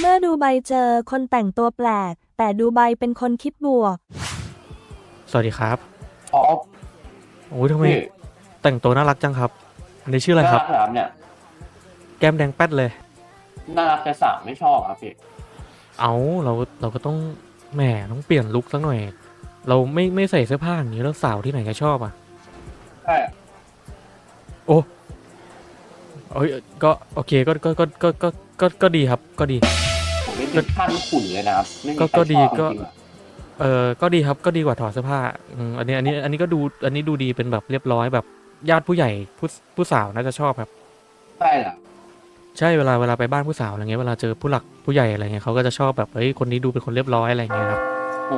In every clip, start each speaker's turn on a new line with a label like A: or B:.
A: เมื่อดูไบเจอคนแต่งตัวแปลกแต่ดูไบเป็นคนคิดบวก
B: สวัสดีครับ
C: อ๋อ
B: โอ้ยทำไม
C: พี่
B: แต่งตัวน่ารักจังครับอันนี้ชื่ออะไรค
C: น่า
B: รับ
C: รักครับเนี่ย
B: แก้มแดงแป๊ดเลย
C: น่ารักแต่สาวไม่ชอบครับพี่
B: เอาเราก็ต้องแหมต้องเปลี่ยนลุคสักหน่อยเราไม่ใส่เสื้อผ้าอย่างนี้แล้วสาวที่ไหนจะชอบอ่ะ
C: ใช่
B: โอ้เอ้ยก็โอเคก็ดีครับก็ดี
C: ผมไม่ถึงขั้นขุ่นเลยนะครับไม่มีใครช
B: ก็
C: อบจ
B: ดีก็
C: ริงๆอะ
B: ก็ดีครับก็ดีกว่าถอดเสื้อผ้าอันนี้ก็ดูอันนี้ดูดีเป็นแบบเรียบร้อยแบบญาติผู้ใหญ่ผู้สาวน่าจะชอบครับ
C: ใช่เหรอ
B: ใช่เวลาไปบ้านผู้สาวอะไรเงี้ยเวลาเจอผู้หลักผู้ใหญ่อะไรเงี้ยเขาก็จะชอบแบบเฮ้ยคนนี้ดูเป็นคนเรียบร้อยอะไรเงี้ยครับ
C: อ๋อ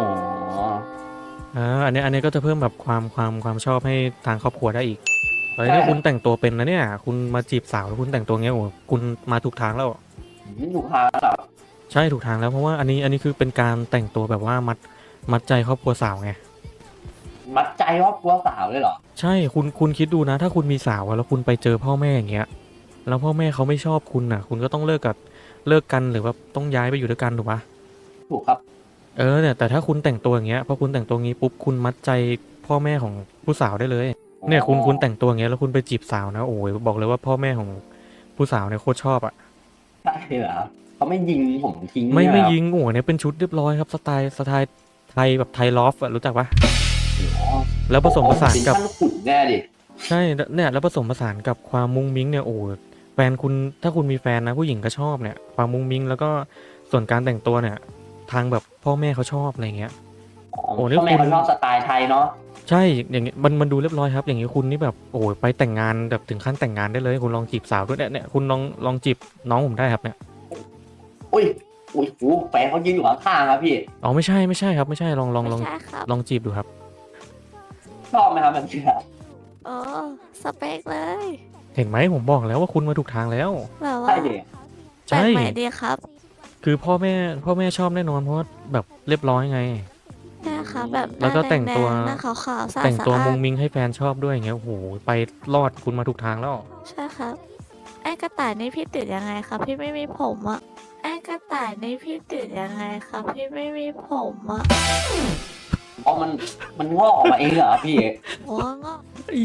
B: อันนี้ก็จะเพิ่มแบบความชอบให้ทางครอบครัวได้อีกเฮ้ยเนี่ยคุณแต่งตัวเป็นนะเนี่ยคุณมาจีบสาวแล้วคุณแต่งตัวเงี้ยโอ้คุณมาถูกทางแล้ว
C: ถูกทางแล้ว
B: ใช่ถูกทางแล้วเพราะว่าอันนี้คือเป็นการแต่งตัวแบบว่ามัดใจครอบครัวสาวไง
C: มัดใจครอบครัวสาวเลยเหรอ
B: ใช่คุณคิดดูนะถ้าคุณมีสาวแล้วคุณไปเจอพ่อแม่อย่างเงี้ยแล้วพ่อแม่เขาไม่ชอบคุณน่ะคุณก็ต้องเลิกกันหรือว่าต้องย้ายไปอยู่ด้วยกันถูกปะ
C: ถูกครับ
B: เนี่ยแต่ถ้าคุณแต่งตัวอย่างเงี้ยพอคุณแต่งตัวงี้ปุ๊บคุณมัดใจพ่อแม่ของผู้สาวได้เลยเนี่ยคุณแต่งตัวอย่างเงี้ยแล้วคุณไปจีบสาวนะโอ้ยบอกเลยว่าพ่อแม่ของผู้สาวเนี่ยโคตรชอบอ่ะ
C: ใช่เหรอเขาไม่ยิงผมทิ้ง
B: ไม่
C: เนี่ย
B: ยิงโอ้ยเนี่ยเป็นชุดเรียบร้อยครับสไตล์ไทยแบบไทยลอฟอะรู้จักปะ
C: อ๋อ
B: แล้วผสมผสานกับ
C: เป็นขั้นขุ่นแน่ดิ
B: ใช่เนี่ยแล้วผสมผสานกับความมุ้งมิ้งเนี่ยโอ้แฟนคุณถ้าคุณมีแฟนนะผู้หญิงก็ชอบเนี่ยความมุ้งมิ้งแล้วก็ส่วนการแต่งตัวเนี่ยทางแบบพ่อแม่เขาชอบอะไรเงี้ยโอ้นี่
C: พ่อแม่
B: คุณ
C: เขาชอบสไตล์ไทยเนาะ
B: ใช่อย่างเงี้ยมันดูเรียบร้อยครับอย่างเงี้ยคุณนี่แบบโอ้ไปแต่งงานแบบถึงขั้นแต่งงานได้เลยคุณลองจีบสาวด้วยเนี่ยคุณลองจีบน้องผมได้ครับเนี่ย
C: อุ้ยอุ้ยโหแฟนเขายืนอยู่ข้างๆครับพี่
B: อ๋อไม่ใช่ครับไม่ใช่ลอง
D: ไม่ใช่ครับ
B: ลองจีบดูครับ
C: ชอบไหมครับมันเชื่อ
D: โอ้สเปคเลย
B: เห็นไหมผมบอกแล้วว่าคุณมาถูกทางแล้ว
D: แบบ
C: ใช่
D: ว่า
C: ดิ
D: แปลกใหม่ดีครับ
B: คือพ่อแม่ชอบแน่นอนเพราะว่าแบบเรียบร้อยไง
D: ใช่ครับแบบห
B: แล้ว
D: น้า
B: ก็
D: แด
B: แต่งตัว
D: งๆหน้าขาวๆสะอา
B: แต่
D: ด
B: ง
D: สะ
B: ตัวมุ
D: อาด
B: งมิงให้แฟนชอบด้วยอย่างเงี้ยโอ้โหไปรอดคุณมาถูกทางแล้ว
D: ใช่ครับไอ้กระต่ายนี่พี่ติดยังไงครับพี่ไม่มีผมอ่ะไอ้กระต่ายนี่พี่ติดยังไงครับพี่ไม่มีผมอ่ะ
C: อ๋อมันงอกออกมาเองเหรอพี่
D: หัวงอก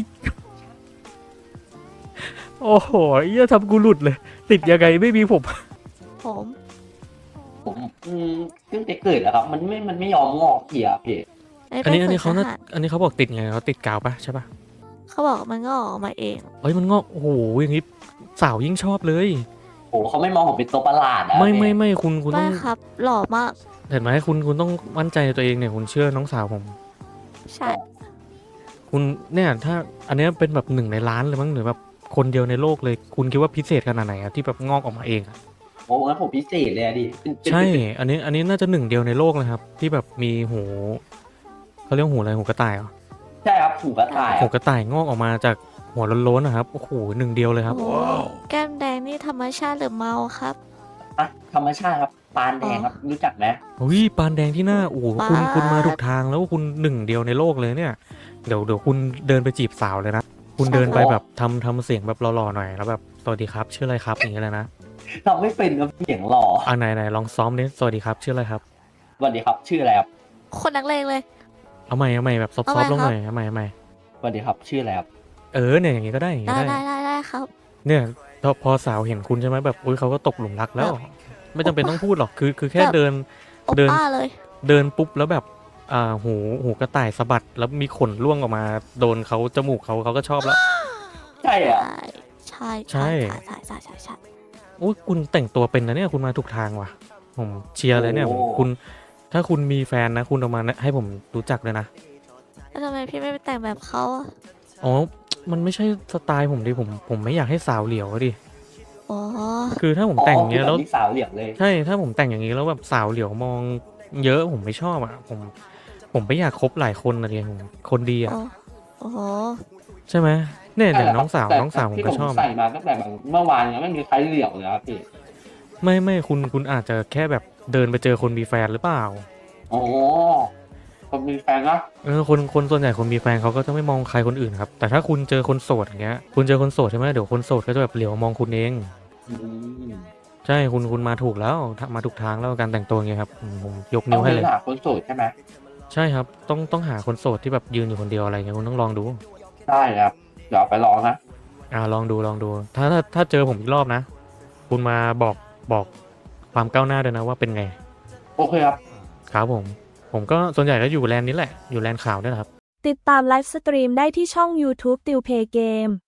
B: โอ้โหเหี้ยทำกูหลุดเลย ติดยังไงไม่มีผม
D: ผม
C: ผมเพิ่งจะเกิดแล้วครับมันไม่ยอมงอกเกียพี่
B: อันนี้
D: ไปฝึก
B: เขา
D: ท
B: น่า
D: หาร
B: อันนี้เขาบอกติดไงเขาติดกาวปะใช่ปะ
D: เขาบอกมันงอกออกมาเอง
B: เอ้ยมันงอกโอ้โหอย่างงี้สาวยิ่งชอบเลย
C: โอ้เขาไม่มองผมเป็นตัวประหลาดนะ
B: ไม่
C: พี่
B: คุณต้
D: ไม่
B: อง
D: ครับ หล่อมาก
B: เห็นไหมคุณต้องมั่นใจในตัวเองเนี่ยคุณเชื่อน้องสาวผม
D: ใช่
B: คุณเนี่ยถ้าอันเนี้ยเป็นแบบ1 ในล้านเลยมั้งหรือแบบคนเดียวในโลกเลยคุณคิดว่าพิเศษขนาดไหนอะที่แบบงอกออกมาเองอะ
C: โอ้งั้นผมพิเศษเลยอะดิเป็น
B: ใช่ อันนี้น่าจะ1 เดียวในโลกเลยครับ ที่แบบมีหูเขาเรียกหูอะไรหูกระต่ายเหรอ
C: ใช่ครับถูกกระต่าย
B: หูกระต่ายงอกออกมาจากหัวโล้นๆนะครับโอ้โห1 เดียวเลยครับ
D: โอ้แก้มแดงนี่ธรรมชาติหรือเมาครับ
C: อ่ะธรรมชาติครับปานแดงครับรู้จักไหม
B: เฮ้ยปานแดงที่หน้าโอ้โหคุณมาถูกทางแล้วคุณ1 เดียวในโลกเลยเนี่ยเดี๋ยวคุณเดินไปจีบสาวเลยนะคุณเดินไปแบบทำเสียงแบบหล่อๆหน่อยแล้วแบบสวัสดีครับชื่ออะไรครับอย่างเงี้ยเลยนะ
C: ทำไม่เป็นครับเสียงหล่อ
B: ไหนลองซ้อมดิสวัสดีครับชื่ออะไรครับ
C: สวัสดีครับชื่ออะไรครับ
D: คนนักเลงเลย
B: เอาใหม่แบบซอ
D: เอา
B: ฟ
D: ใหม่
B: ต์ๆลง
D: ครับ
B: หน่อยเอาใหม่
C: สวัสดีครับชื่ออะไรครับ
B: เนี่ยอย่างงี้ก็ได้อย่างงี้
D: ได้
B: ก็ได้
D: ได้ครับ
B: เนี่ยพอสาวเห็นคุณใช่ไหมแบบอุ้ยเขาก็ตกหลุมรักแล้ว ไม่จำเป็นต้องพูดหรอกคือแค่
D: แบบ
B: เดิน
D: โอ
B: เดิน
D: ป้าเลย
B: เดินปุ๊บแล้วแบบหูกระต่ายสะบัดแล้วมีขนร่วงออกมาโดนเขาจมูกเขาก็ชอบแล้ว
C: ใช่อ่ะ
D: ใช่
B: ใช่
D: ใช่
B: อุ้ยคุณแต่งตัวเป็นนะเนี่ยคุณมาถูกทางว่ะผมเชียร์เลยเนี่ยคุณถ้าคุณมีแฟนนะคุณเอามาให้ผมรู้จักเลยนะ
D: แล้วทำไมพี่ไม่ไปแต่งแบบเขาอะ
B: อ๋อมันไม่ใช่สไตล์ผมดิผมไม่อยากให้สาวเหลียวอะดิ
D: อ๋อ
B: คือถ้าผมแต่งอย่างเงี้ยแล้ว
C: นี่สาวเหลี่ยมเลย
B: ใช่ถ้าผมแต่งอย่างนี้แล้วแบบสาวเหลียวมองเยอะผมไม่ชอบอ่ะผมไม่อยากคบหลายคนอะไรผมคนดีอ่ะ
D: โอ้โห
B: ใช่ไหมเนี่ยอย่างน้องสาว
C: แต่
B: ผม
C: ที่
B: ก็ชอบ
C: ใส่มาตั้งแต่แบบเมื่อวานยังไม่มีใครเหลี่ยมเลยครับพี่
B: ไม่คุณอาจจะแค่แบบเดินไปเจอคนมีแฟนหรือเปล่า
C: โอ้คนมีแฟนนะ
B: คนส่วนใหญ่คนมีแฟนเขาก็จะไม่มองใครคนอื่นครับแต่ถ้าคุณเจอคนโสดอย่างเงี้ยคุณเจอคนโสดใช่ไหมเดี๋ยวคนโสดก็จะแบบเหลียวมองคุณเอง
C: อืม
B: ใใช่คุณมาถูกแล้วมาถูกทางแล้วการแต่งตัวอย่างเงี้ยครับผมยก
C: ต้
B: นิ้
C: อ
B: ว
C: ง
B: ให้
C: เดิ
B: เล
C: น
B: ย
C: หาคนโสดใช่ไหม
B: ใช่ครับต้องหาคนโสดที่แบบยืนอยู่คนเดียวอะไรเงี้ยคุณต้องลองดู
C: ได้ครับเดี๋ยวเอาไปลองนะ
B: ลองดูถ้าเจอผมอีกรอบนะ คุณมาบอกความก้าวหน้าด้วยนะว่าเป็นไง
C: โอเคครับ
B: ครับผมก็ส่วนใหญ่ก็อยู่แลนด์นี้แหละอยู่แลนด์ข่าวนี่แหละครับ
A: ติดตามไลฟ์สตรีมได้ที่ช่อง YouTube ติวเพย์เกม